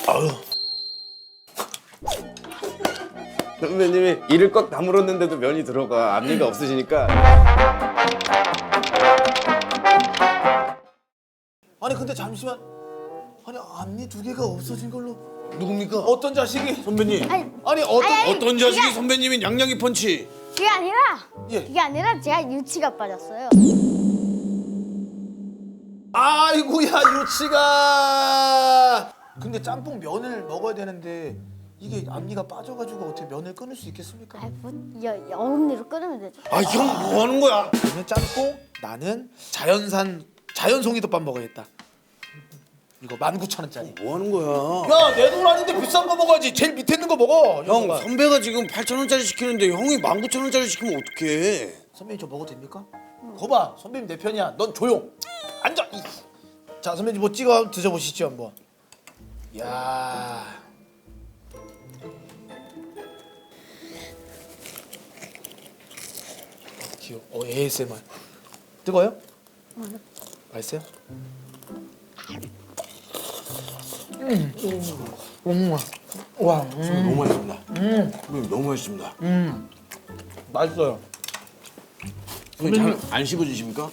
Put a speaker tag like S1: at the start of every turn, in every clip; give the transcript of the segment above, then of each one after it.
S1: 아유.
S2: 선배님이 이를 꽉 다물었는데도 면이 들어가. 앞니가 없으시니까.
S1: 아니 근데 잠시만. 아니 앞니 두 개가 없어진 걸로.
S3: 누굽니까?
S1: 어떤 자식이?
S3: 선배님.
S1: 아니 어떤
S3: 어떤 자식이 선배님이 양양이 펀치?
S4: 그게 아니라
S1: 예.
S4: 그게 아니라 제가 유치가 빠졌어요.
S1: 아이고야 유치가. 근데 짬뽕 면을 먹어야 되는데 이게 앞니가 빠져가지고 어떻게 면을 끊을 수 있겠습니까?
S4: 뭐 어금니로 끊으면 되죠.
S3: 아 형 뭐 하는 거야?
S1: 나는 짬뽕, 나는 자연산 자연송이덮밥 먹어야겠다. 이거 19,000원짜리.
S3: 뭐 하는 거야?
S1: 야, 내 돈 아닌데 비싼 거 먹어야지. 제일 밑에 있는 거 먹어.
S3: 형
S1: 형아.
S3: 선배가 지금 8,000원짜리 시키는데 형이 19,000원짜리 시키면 어떡해?
S1: 선배님 저 먹어도 됩니까? 거봐, 선배님 내 편이야. 넌 조용. 앉아. 자, 선배님 뭐 찍어 드셔보시죠 한번. 야. 귀여워. ASMR. 뜨거요? 맛있어요? 와,
S3: 너무 맛있습니다. 선배님 너무 맛있습니다.
S1: 맛있어요.
S3: 선배님 잘 안 씹어주십니까?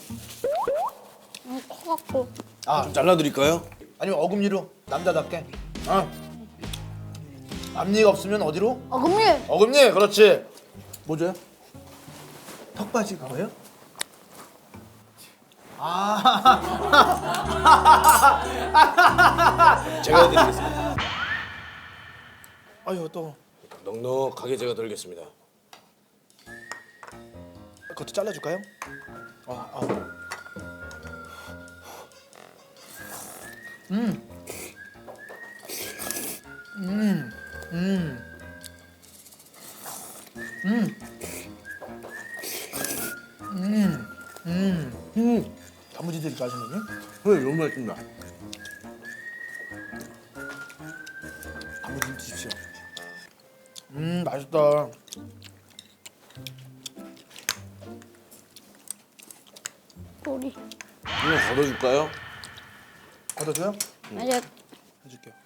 S4: 커갖고
S1: 아,
S3: 좀 잘라드릴까요?
S1: 아니면 어금니로 남자답게. 앞니가 없으면 어디로?
S4: 어금니.
S1: 어금니, 그렇지. 뭐 줘요? 턱받이 그거요?
S3: 제가 해드리겠습니다.
S1: 아유 또
S3: 넉넉하게 제가 드리겠습니다.
S1: 그것도 잘라줄까요? 단무지 드릴까요, 선생님?
S3: 선배님 너무 맛있습니다.
S1: 단무지 드십시오. 맛있다.
S4: 우리
S3: 한번 걷어줄까요?
S1: 받아줘요?
S4: 아니
S1: 해줄게요.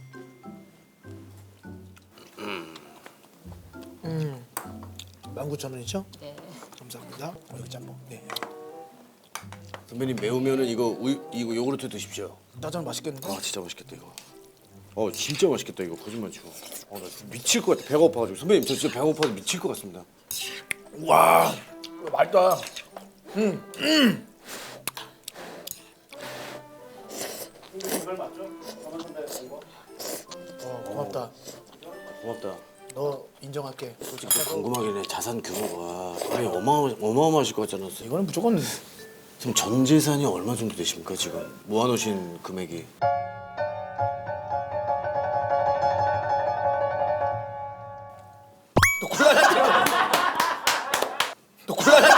S1: 19,000원이죠? 네. 감사합니다. 이거 짬뽕. 네.
S3: 선배님 매우면은 이거 이거 요구르트 드십시오.
S1: 짜장 맛있겠는데?
S3: 아 진짜 맛있겠다 이거. 진짜 맛있겠다 이거 거짓말 치고. 나 미칠 것 같아 배가 고파가지고. 선배님 저 진짜 배가 고파서 미칠 것 같습니다.
S1: 와, 맛있다. 고맙다.
S3: 고맙다.
S1: 너 인정할게. 솔직히.
S3: 궁금하긴 해. 자산 규모가 거의 어마어마하실 것 같지 않았어요?
S1: 이거는 무조건
S3: 지금 전 재산이 얼마 정도 되십니까 지금 모아놓으신 금액이?
S1: 또 곤란한 질문. 또 곤란한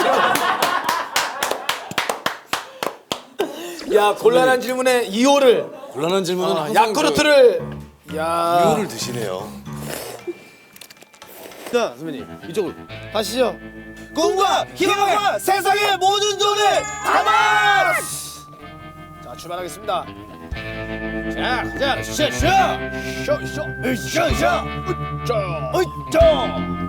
S1: 질문. 야, 곤란한 질문에 2호를
S3: 곤란한 질문은 항상
S1: 야쿠르트를 야.
S3: 이유를 드시네요.
S2: 자, 선배님 이쪽으로.
S1: 가시죠. 꿈과 희망과 세상의 모든 돈을 담아. 자, 출발하겠습니다. 자, 가자. 쇼. 으쌰. 으쌰. 으쌰.